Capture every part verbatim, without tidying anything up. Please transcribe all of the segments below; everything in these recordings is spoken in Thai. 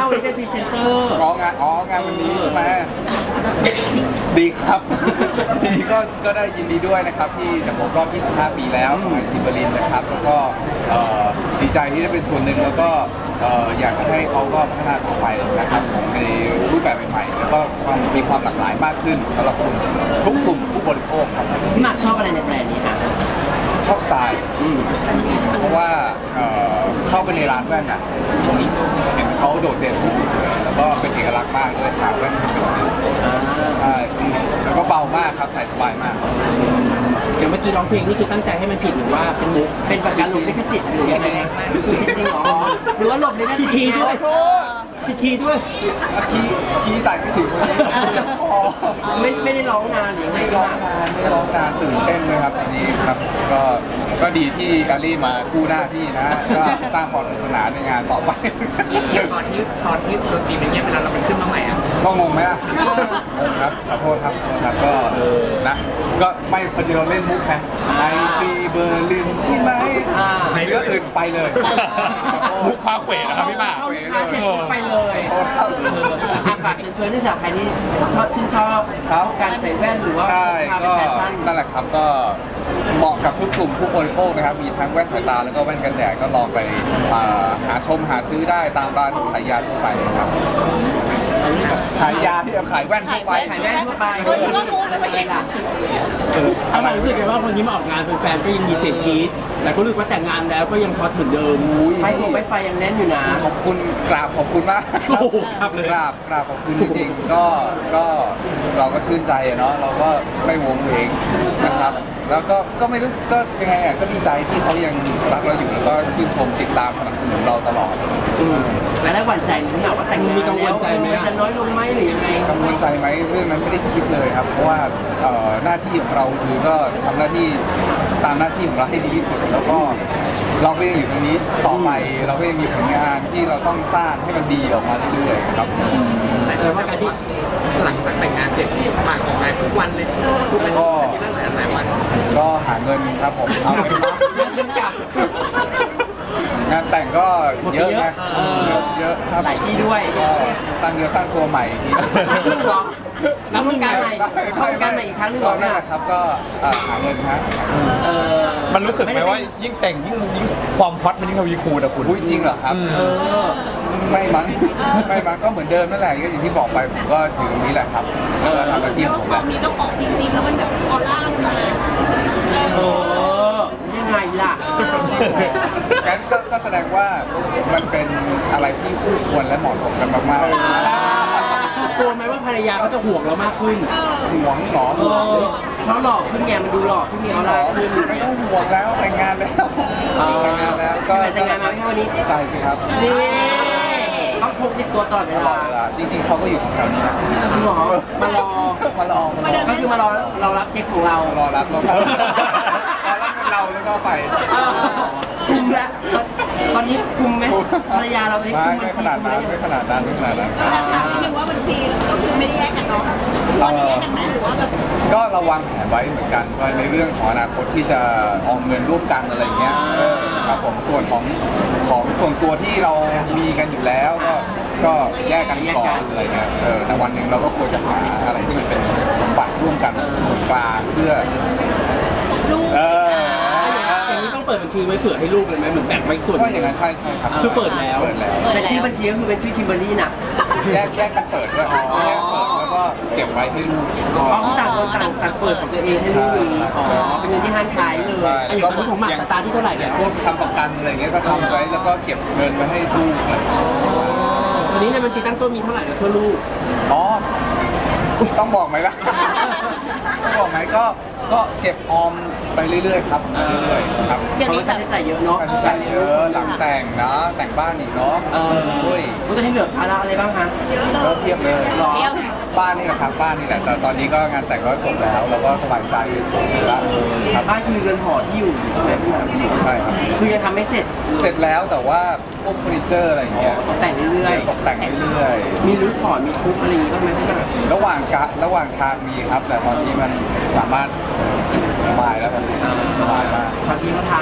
วันนี้เป็นพรีเซนเตอร์ร้องงานอ๋องานวันนี้ใช่ไหมดีครับดีก็ก็ได้ยินดีด้วยนะครับที่จะครบรอบ ยี่สิบห้า ปีแล้วของไอซีเบอร์ลินนะครับแล้วก็เอ่อดีใจที่ได้เป็นส่วนหนึ่งแล้วก็เอ่ออยากจะให้เขาก็พัฒนาต่อไปนะครับของในรูปแบบใหม่ๆแล้วก็ความมีความหลากหลายมากขึ้นสำหรับกลุ่มทุกกลุ่มผู้บริโภคครับพี่หมากชอบอะไรในแบรนด์นี้คะชอบสไตล์เพราะว่าเอ่อเข้าไปในร้านแว่นอ่ะเห็นเขาโดดเด่นที่สุดเลยแล้วก็เป็นเอกลักษณ์มากเลยขาแว่นเป็นจุดใช่แล้วก็เบามากครับใส่สบายมากอย่างเมื่อกี้ร้องเพลงนี่คือตั้งใจให้มันผิดหรือว่าเป็นมุกเป็นประกันหลบลิขสิทธิ์หรือยังไงจริงๆหรอหรือว่าหลบลิขสิทธิ์ด้วยโทษผิดคีย์ด้วยคีย์คีย์ไต่ไม่ถึงวันนี้พอไม่ไม่ได้ร้องนานหรือไงไม่ร้องนานไม่ร้องนานตื่นเต้นเลยครับอันนี้ครับก็ก็ดีที่แอลลี่มาคู่หน้าพี่นะก็สร้างความสนุกสนานในงานต่อไปตอนที่ตอนที่ดนตรีมันเงียบไปแล้วเรามันขึ้นมาใหม่อ่ะก็งงไหมอ่ะงงครับขอโทษครับขอโทษครับก็นะก็ไม่พอดีเราเล่นมุกไงไอซีเบอร์ลินใช่ไหมเรื่องอื่นไปเลยมุกพาเขวนะครับพี่หมากเข้าลูกค้าเสร็จปุ๊บไปเลยโอ้ครับอาฝากเชิญชวนให้สาวใครที่ชอบชื่นชอบเขาการใส่แว่นหรือว่าใช่พาเป็ก็นแฟชั่นนั่นแหละครับก็เหมาะกับทุกกลุ่มผู้บริโภคนะครับมีทั้งแว่นสายตาแล้วก็แว่นกันแดดก็ลองไปอ่าหาชมหาซื้อได้ตามร้านขายยาทั่วไปนะครับขายยาที่เอาขายแว่นทั่วไปขายแว่นทั่วไปเออนึกว่ามุกนะเมื่อกี้ล่ะถ้าเรารู้สึกไงว่าคนนี้มาออกงานแฟนๆก็ยังมีเสียงกรี๊ดแต่ก็รู้สึกว่าแต่งงานแล้วก็ยังพอถึงเดิมไฟฟงไฟไฟยังแน่นอยู่นะขอบคุณกราบขอบคุณมากโอ้โหครับเลยกราบกราบขอบคุณจริงๆก็ก็เราก็ชื่นใจอะเนาะเราก็ไม่วงเวงนะครับ แล้วก็ก็ไม่รู้สึกก็ยังไงอ่ะก็ดีใจที่เขายังรักเราอยู่แล้วก็ชื่นชมติดตามสนับสนุนเราตลอดแล้วหวั่นใจไหมพี่หมากว่าแต่งงานมีกังวลใจไหมมันจะน้อยลงไหมหรือยังไงกังวลใจไหมเรื่องนั้นไม่ได้คิดเลยครับ เพราะว่าเอ่อหน้าที่ของเราคือก็ทำหน้าที่ตามหน้าที่ของเราให้ดีที่สุด แล้วก็เราก็ยังอยู่ตรงนี้ต่อไปเราก็ยังมีผลงานที่เราต้องสร้างให้มันดีออกมาเรื่อยๆครับแต่ว่าการที่หลังจากแต่งงานเสร็จหมากออกงานทุกวันเลยทุกอาทิตย์อาทิตย์ละหลายหลายวันก็หาเงินครับผมเอาไปเงินกลับงานแต่งก็เยอะนะเออเยอะเยอะครับหลายที่ด้วยก็สร้างเนื้อสร้างตัวใหม่อีกทีนับหนึ่งเหรอนับวงการใหม่เข้าวงการใหม่อีกครั้งหนึงเหรอนั่เนี่นยแหละครับก็เอ่อหาเงินฮะเออมันรู้สึกไหมว่ายิ่งแต่งยิ่งยิ่งความฮอตมันยิ่งทวีคูณอะคุณอุ้ยจริงเหรอครับเออไม่มั้งไม่มั้งก็เหมือนเดิมนั่นแหละก็อย่างที่บอกไปผมก็อยู่ตรงนี้แหละครับแล้วก็ทำหน้าที่ของผมแหละมีเจ้าของจริงๆแล้วมันแบบออร่ามันมาเออยังไงล่ะงั้นก็ก็แสดงว่ามันเป็นอะไรที่คู่ควรและเหมาะสมกันมากๆกลัวไหมว่าภรรยาเขาจะห่วงเรามากขึ้นห่วงหรอเออเพราะหล่อขึ้นไงมันดูหล่อขึ้นไงเอาหรล่ะอไม่ต้องห่วงแล้วแต่งงานแล้วแต่งงานแล้วก็ใช่ไหมแต่งงานมาไม่เท่านี้ใช่สิครับนี่ต้องพกติดตัวตลอดเวตลอลาดเวลาจริงๆเขาก็อยู่แถวนี้นะจริงเหรอมารอมารอมารอก็คือมารอเรารับเช็คของเรารอรับรอรับรอรับเป็นเราแล้วก็ไปอ้าวคุมแล้วตอนนี้คุมไหมภรรยาเราตอนนี้ไม่คุมบัไม่ญขชีนาดคุมนั้อะนไรไม่ขนาดนั้นไม่ขนาดนั้นแล้วถามนิดนึงว่าบัญชีก็คือไม่ได้แยกกันเนาะตอนนี้แยกกันไหมหรือว่าแบบก็เราวางแผนไว้เหมือนกันว่าในเรื่องของอนาคตที่จะออมเงินร่วมกันอะไรเงี้ยเออครับผมส่วนของของส่วนตัวที่เรามีกันอยู่แล้วก็ก็แยกกันก่อนอะไรเงี้ยเออแต่วันหนึ่งเราก็ควรจะหาอะไรที่มันเป็นสมบัติร่วมกันส่วนกลางเพื่อลูกเอออย่างนี้ต้องเปิดบัญชีไว้เผื่อให้ลูกเลยไหมเหมือนแบ่งไว้ส่วนก็อย่างนั้นใช่ใช่ครับคือเปิดแล้วเปิดแล้วแต่ชื่อบัญชีก็คือเป็นชื่อคิมเบอร์รี่นะแยกแยกกันเปิดด้วยแยกเปิดแล้วก็เก็บไว้ให้ลูกอ๋อคือต่างคนต่างต่างเปิดของตัวเองให้ลูกมีอ๋อเป็นเงินที่ห้ามใช้เลยใช่ไอ้อย่างนี้ของหมากสตาร์ทที่เท่าไหร่อเนี่ย่าย งพวกทำประกันอะไรเงี้ยก็ทำไว้แล้วก็เก็บเงินไว้ให้ลูกอะไรวันนี้ในบัญชีตั้งต้นมีเท่าไหร่นะเพื่อลูกอ๋อต้องบอกไหมล่ะ ต้องบอกไหมก็ก็เก็บออมไปเรื่อยๆครับเรื่อยๆครับเดี๋ยวเพราะนี้ว่าแบค่าบใช้จ่ายเยอะเนาะค่าใช้จ่ายเยอะหลังแต่งนะแต่งบ้านอีกเนาะเออโอ้ยว่าจะให้เหลือภาระอะไรบ้างคะก็เทียบเลยหรอเที่ยวบ้านนี่แหละครับบ้านนี่แหละแต่ตอนนี้ก็งานแต่งก็จบแล้วเราก็สบายใจสุดแล้วครับบ้านคือเรือนหอที่อยู่ใช่ไหมพี่หมากใช่ครับคือยังทำไม่เสร็จเสร็จแล้วแต่ว่าพวกเฟอร์นิเจอร์อะไรอย่างเงี้ยตกแต่งเรื่อยตกแต่งเรื่อยๆ มีรื้อถอนมีทุบอะไรอย่างงี้บ้างไหมพี่หมากๆระหว่างกะระหว่างทางมีครับ แต่ตอนนี้มันสามารถสบายแล้วมันสบายมากทำที่เขาทางใช่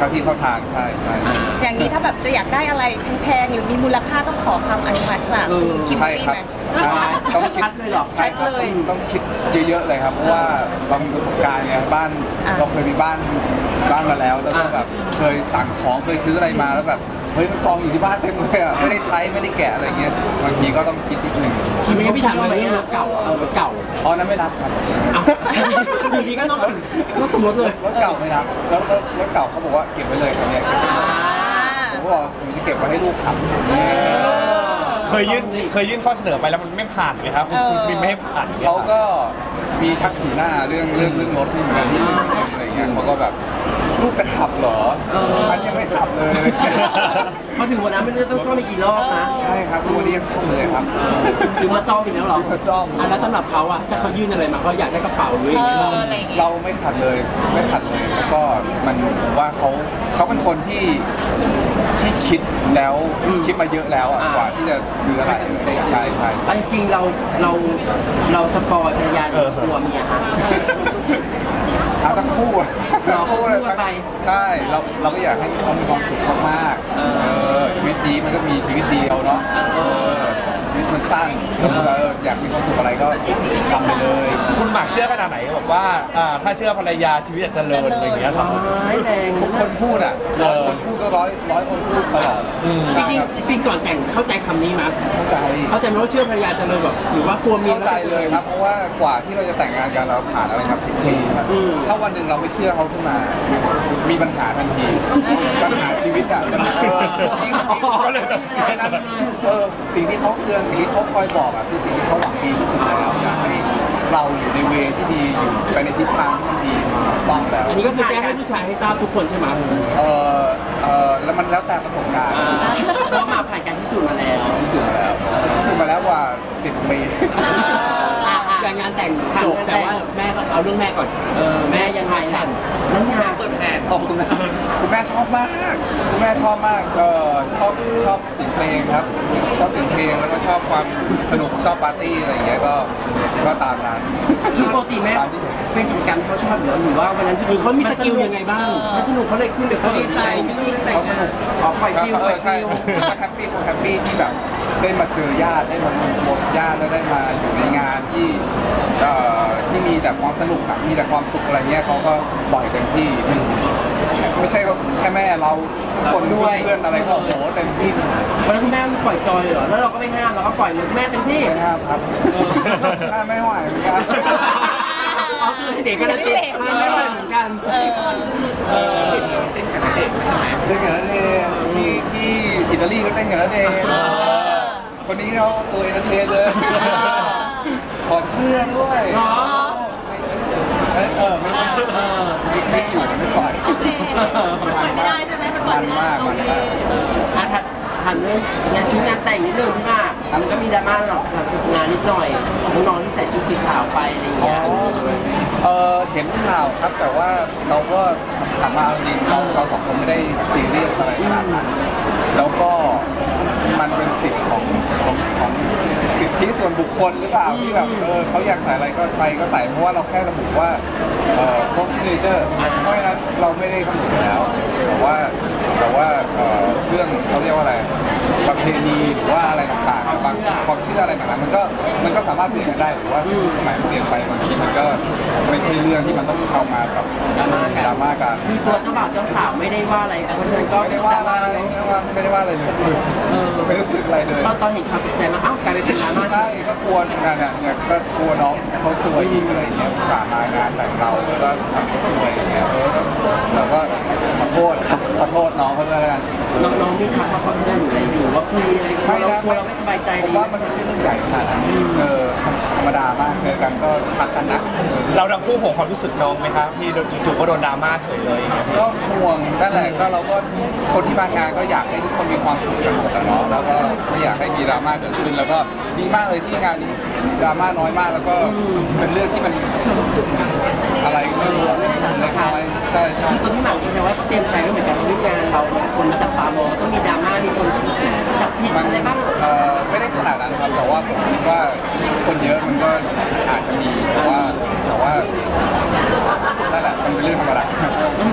เข้าที่เข้าทางใช่ใช่อย่างนี้ถ้าแบบจะอยากได้อะไรแพงๆหรือมีมูลค่าต้องขอคำอนุมัติจากคุณคิมเบอใช่ร์รี่ครับไหมใช่ต้องคิดชัดเลยเหรอใช่ครับชัดเลยต้องต้องคิดเยอะๆเลยครับเพราะว่าเรามีประสบการณ์ไงบ้านอ่ะเราเคยมีบ้านบ้านมาแล้วแล้วก็แบบเคยสั่งของเคยซื้ออะไรมาแล้วแบบเฮ้ยมันกองอยู่ที่บ้านเต็มเลยอ่ะไม่ได้ใช้ไม่ได้แกะอะไรเงี้ยบางทีก็ต้องคิดนิดนึงคิดไม่พี่ถามเลยรถเก่าเออรถเก่าอ๋อนั้นไม่รับครับเอ้าอยู่ดีก็นอกนอกสมรสเลยรถเก่าไม่รับแล้วรถรถเก่าเขาบอกว่าเก็บไว้เลยครับเนี่ยเก็บไว้เลยผมก็บอกผมจะเก็บไว้ให้ลูกขับเคยยื่นเคยยื่นข้อเสนอไปแล้วมันไม่ผ่านไหมครับคุณคุณบินไม่ให้ผ่านเขาก็มีชักสีหน้าเรื่องเรื่องเรื่องรถนี่เหมือนกันที่อะไรเงี้ยเขาก็แบบลูกจะขับเหรอฉันยังไม่ขับเลยพอถึงวันนั้นไม่รู้ต้องซ่อมอีกกี่รอบนะใช่ครับทุกวันนี้ยังซ่อมเลยครับซื้อมาซ่อมอีกแล้วเหรอซื้อมาซ่อมอ่ะแล้วสำหรับเขาอะถ้าเขายื่นอะไรมาเขาอยากได้กระเป๋าหรือเออย่างเงี้ยออะไรอย่างเงี้ยเราไม่ขัดเลยไม่ขัดเลยแล้วก็มันผมว่าเขาเขาเป็นคนที่ที่คิดแล้วคิดมาเยอะแล้วอ่ะกว่าที่จะซื้ออะไรใช่ใช่ใช่อันจริงเราเราเราสปอยภรรยาหรือกลัวเมียฮะเอาทั้งคู่อะเราทั้งคู่เลยคู่กันไปใช่เราเราก็อยากให้เขามีความสุขมากๆเออชีวิตดีมันก็มีชีวิตเดียวเนาะเออชีวิตมันสั้นเอออยากมีความสุขอะไรก็ทำไปเลยคุณหมากเชื่อขนาดไหนบอกว่าอ่าถ้าเชื่อภรรยาชีวิตจะเจริญอะไรอย่างเงี้ยครับร้ายแรงทุกคนพูดอ่ะร้อยคนพูดก็ร้อยร้อยคนพูดตลอดจริงๆสิ่งก่อนแต่งเข้าใจคำนี้มั้ยเข้าใจเข้าใจไหมว่าเชื่อภรรยาจะเลยแบบหรือว่ากลัวเมียเข้าใจเลยครับ เพราะว่ากว่าที่เราจะแต่งงานกันเราผ่านอะไรมาสิบปีครับถ้าวันหนึ่งเราไม่เชื่อเขาขึ้นมา มีปัญหาทันทีปัญหาชีวิตอ่ะเออจริงๆก็เลยต้องใช่นั้นเออสิ่งที่เขาเตือนสิ่งที่เขาคอยบอกอ่ะคือสิ่งที่เขาหวังดีที่สุดแล้วอยากให้เราอยู่ในเวที่ดีอยู่ไปในทิศทางที่มันดีถูกต้องแล้วอันนี้ก็คือแจ้งให้ผู้ชายให้ทราบทุกคนใช่ไหมเออเออแล้วมันแล้วแต่ประสบการณ์เพราะมาผ่านการพิสูจน์มาแล้วพิสูจน์มาแล้วพิสูจน์มาแล้วกว่าสิบปีการงานแต่งจบแต่ว่าแม่ก็เอาเรื่องแม่ก่อนเออแม่ยังไงล่ะนั้นงานเปิดแผนขอบคุณแม่คุณแม่ชอบมาก คุณแม่ชอบมากก็ชอบชอบเสียงเพลงครับ ชอบเสียงเพลงแล้วก็ชอบความสนุกชอบปาร์ตี้อะไรอย่างเงี้ยก็ก็ตามนั้นคือปกติแม่เป็นกิจกรรมที่เขาชอบอยู่แล้วหรือว่าวันนั้นคือเขามีสกิลยังไงบ้างมันสนุกเขาเลยขึ้นเดี๋ยวเขาดีใจที่นี่แต่งเขาสนุกออกปล่อยฟิลเอปล่ออย ใช่ฟิลเขาแฮปปี้เขาแฮปปี้ที่แบบได้มาเจอญาติได้มารวมตัวกับญาติแล้วได้มาอยู่ในงานที่เอ่อที่มีแต่ความสนุกอะมีแต่ความสุขอะไรเงี้ยเขาก็ปล่อยเต็มที่ไม่ใช่แค่แม่เราทุกคนด้วยเพื่อนอะไรก็โอ้โหเต็มที่วันนั้นคุณแม่ปล่อยจอยเหรอแล้วเราก็ไม่ห้ามเราก็ปล่อยเลยแม่เต็มที่ไม่ห้ามครับถ้าไม่ไหวเหมือนกันอ๋อคือเด็กก็ได้ติดไม่ไหวเหมือนกันเออเออเต้นกับนักเดทที่ที่อิตาลีก็เต้นกับนักเดทคนนี้เขาตัวเอนเตอร์เทนเลยถอดเสื้อด้วยเนาะเออเออไม่ไม่มีคลิปอยู่สักก่อนโอเคมันปล่อยไม่ได้ใช่ไหมมันปล่อยไม่ได้มันมากอ่ะถัดหันเรื่องงานชุดงานแต่งนิดนึงที่ว่ามันก็มีดราม่าหลังหลังจากงานนิดหน่อยน้องๆที่ใส่ชุดสีขาวไปอะไรอย่างอ๋อเงี้ยเออเห็นข่าวครับแต่ว่าเราก็ถามมาเอาจริงเราเราสองคนไม่ได้ซีเรียสอะไรขนาดนั้นแล้วก็มันเป็นสิทธิ์ของของของสิทธิส่วนบุคคลหรือเปล่าที่แบบเออเขาอยากใส่อะไรก็ไปก็ใส่เพราะว่าเราแค่ระบุว่าเอ่อ post signature เพราะฉะนั้นเราไม่ได้กำหนดอยู่แล้วแต่ว่าแต่ว่าเอ่อเรื่องเขาเรียกว่าอะไรประเพณีหรือว่าอะไรต่างๆบางความเชื่ออะไรต่างๆมันก็มันก็สามารถเปลี่ยนกันได้หรือว่าสมัยมันเปลี่ยนไปมันมันก็ไม่ใช่เรื่องที่มันต้องเข้ามากับดราม่ากันดราม่ากันคือตัวเจ้าบ่าวเจ้าสาวไม่ได้ว่าอะไรเพราะฉะนั้นก็ไม่ได้ว่าอะไรไม่ได้ว่าไม่ได้ว่าอะไรเลยไม่รู้สึกอะไรเลยตอนตอนเห็นข่าวตกใจมาอ้าวกลายเป็นดราม่าใช่ก็กลัวเหมือนกันเนี่ยเนี่ยก็กลัวน้องเขาสวยอีกอะไรอย่างเงี้ยอุตส่าห์มางานแต่งเราแล้วก็ทำเขาสวยอย่างเงี้ยเออเราก็ขอโทษครับขอโทษน้องเขาด้วยแล้วกันน้องๆนี่ทักมาขอโทษหรืออะไรอยู่ว่าคุยอะไรกันไม่เรานะกลัวเราไม่สบายใจผมดีว่ามันไม่ใช่เรื่องใหญ่ขนาดนั้นเออธรรมดามากเจอกันก็ทักกันนะเราทั้งคู่ห่วงความรู้สึกน้องไหมครับที่โดนจู่ๆก็โดนดราม่าเฉยเลยอย่างเงี้ยก็ห่วงนั่นแหละก็เราก็คนที่มางานก็อยากให้ทุกคนมีความสุขกันหมดอะเนาะแล้วก็ไม่อยากให้มีดราม่าเกิดขึ้นแล้วก็ดีมากเลยที่งานนี้ดราม่าน้อยมากแล้วก็เป็นเรื่องที่มันอะไรก็ไม่รู้เล็กน้อยใช่ใช่คือตัวพี่หมากเองแต่ว่าก็เตรียมใจไว้เหมือนกันว่าเรื่องงานเราคนจับตามองต้องมีดราม่ามีคนจับผิดมันอะไรบ้างเอ่อไม่ได้ขนาดนั้นครับแต่ว่าผมคิดว่าคนเยอะมันก็อาจจะมีแต่ว่าแต่ว่านั่นแหละมันเป็นเรื่องธรรมดาก็ถือว่ารับ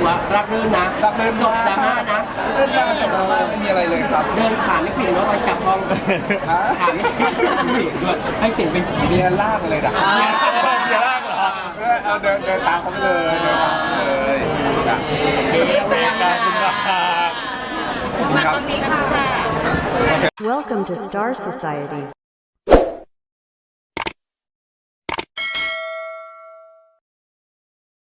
รื่นนะรับเล่นจบดราม่านะเล่นดราม่าจบดราม่าไม่มีอะไรเลยครับเดินขาไม่ผิดแล้วตอนกลับห้องฮะขาไม่ผิดเสียงด้วยให้เสียงเป็นเมียลากเลยนะอ่าเดี๋ยวลากเหรอเออเอาเดินเดินตามเขาไปเลยเดินตามเขาเลยจ้ะเอ๊ะขอบคุณมากขอบคุณครับตอนนี้ค่ะ Welcome to Star Society.